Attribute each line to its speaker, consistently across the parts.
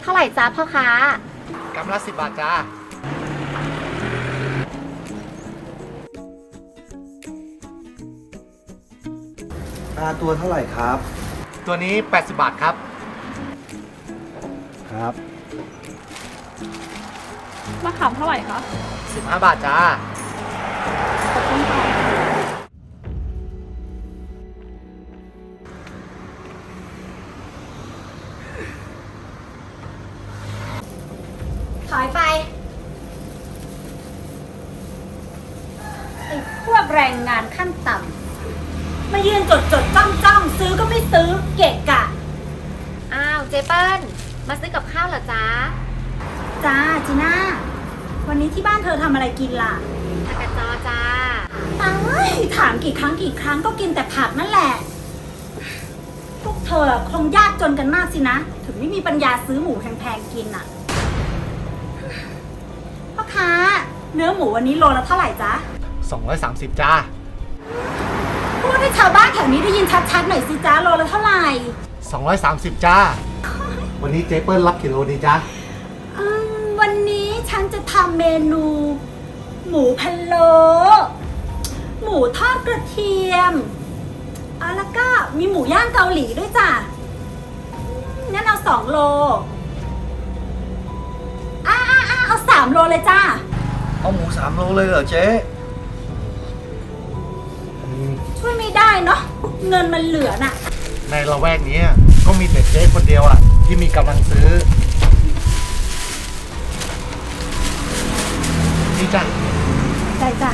Speaker 1: เท่าไหร่จ้าพ่อค้าก
Speaker 2: ำละ10 บาทจ้า
Speaker 3: ปลาตัวเท่าไหร่ครับ
Speaker 2: ตัวนี้80 บาทครับ
Speaker 3: ครับ
Speaker 4: มะขามเท่าไหร่คะ
Speaker 2: 15 บาทจ้า
Speaker 4: ขอบคุณค่ะ
Speaker 1: ถอยไปไอ้พวกแรงงานขั้นต่ำมายืนจดจ้องซื้อก็ไม่ซื้อเกะกะอ้าวเจเปิ้ลมาซื้อกับข้าวเหรอจ๊ะ
Speaker 5: จ้าจีน่าวันนี้ที่บ้านเธอทำอะไรกินล่ะ
Speaker 1: ผักกาดจอจ้า
Speaker 5: เอ้ยถามกี่ครั้งก็กินแต่ผักนั่นแหละ พวกเธอคงยากจนกันมากสินะ ถึงไม่มีปัญญาซื้อหมูแพงๆกินอ่ะพ่อค้าเนื้อหมูวันนี้โลละเท่าไหร่จ๊ะ
Speaker 2: 230 จ้า
Speaker 5: พูดให้ชาวบ้านแถวนี้ได้ยินชัดๆหน่อยสิจ๊ะโลละเท่าไหร่
Speaker 2: 230 จ้า วันนี้เจ๊เปิ้ลรับกี่โลดีจ้า
Speaker 5: วันนี้ฉันจะทำเมนู หมูพะโล้หมูทอดกระเทียมแล้วก็มีหมูย่างเกาหลีด้วยจ้ะงั้นเอา2 โลเอา3 โลเลยจ้า
Speaker 3: เอาหมู3 โลเลยเหรอเจ๊
Speaker 5: ช่วยไม่ได้เนาะเงินมันเหลือน่ะ
Speaker 2: ในละแวกนี้ก็มีแต่เจ๊คนเดียวอ่ะ ที่มีกำลังซื้อ นี่จ้ะ
Speaker 5: ได้จ้ะ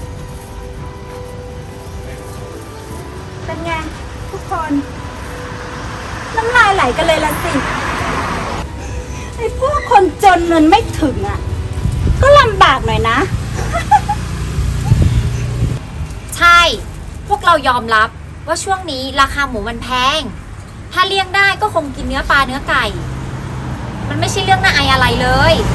Speaker 5: เป็นไงทุกคน น้ำลายไหลกันเลยละสิไอ้พวกคนจนเงินไม่ถึงอ่ะ ก็ลำบากหน่อยนะ
Speaker 1: ใช่ พวกเรายอมรับว่าช่วงนี้ราคาหมูมันแพง ถ้าเลี่ยงได้ก็คงกินเนื้อปลาเนื้อไก่ มันไม่ใช่เรื่องน่าอายอะไรเลย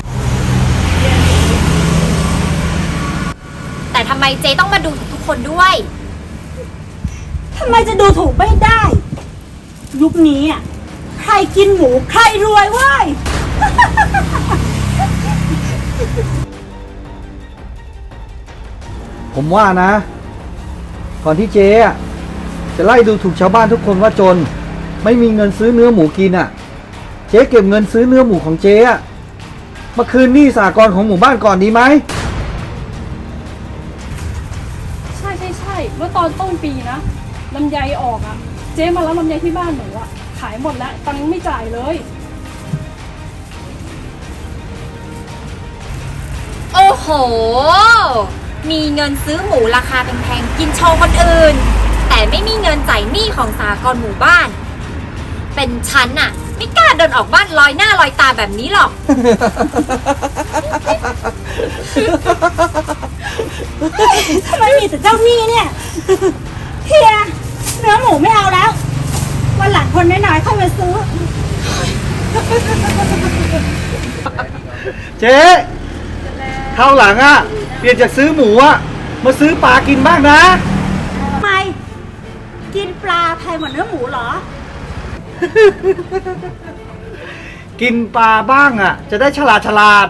Speaker 1: แต่ทำไมเจ๊ต้องมาดูทุกคนด้วย
Speaker 5: ทำไมจะดูถูกไม่ได้ ยุคนี้อ่ะใครกินหมูใครรวยเว้ย
Speaker 3: ผมว่านะ ก่อนที่เจ๊อะจะไล่ดูถูกชาวบ้านทุกคนว่าจน ไม่มีเงินซื้อเนื้อหมูกินอ่ะ เจ๊เก็บเงินซื้อเนื้อหมูของเจ๊อะมาคืนหนี้สหกรณ์ของหมู่บ้านก่อนดีไหม
Speaker 4: ใช่เมื่อตอนต้นปีนะลำไยออกอะเจ๊มารับลำไยที่บ้านหนูอะขายหมดแล้วตังค์ยังไม่จ่ายเลย
Speaker 1: โอ้โห มีเงินซื้อหมูราคาแพงๆกินโชว์คนอื่น แต่ไม่มีเงินจ่ายหนี้ของสหกรณ์หมู่บ้าน เป็นฉันน่ะ ไม่กล้าเดินออกบ้านลอยหน้าลอยตาแบบนี้หรอก
Speaker 5: ทำไมมีแต่เจ้าหนี้เนี่ย เฮียเนื้อหมูไม่เอาแล้ว วันหลังคนน้อยๆค่อยมาซื้อ
Speaker 3: เจ๊คราวหลังอ่ะเปลี่ยนจากซื้อหมูอ่ะมาซื้อปลากินบ้างนะ
Speaker 5: ทำไม กินปลาแพงกว่าเนื้อหมูเหรอ
Speaker 3: กินปลาบ้างอ่ะ จะได้ฉลาด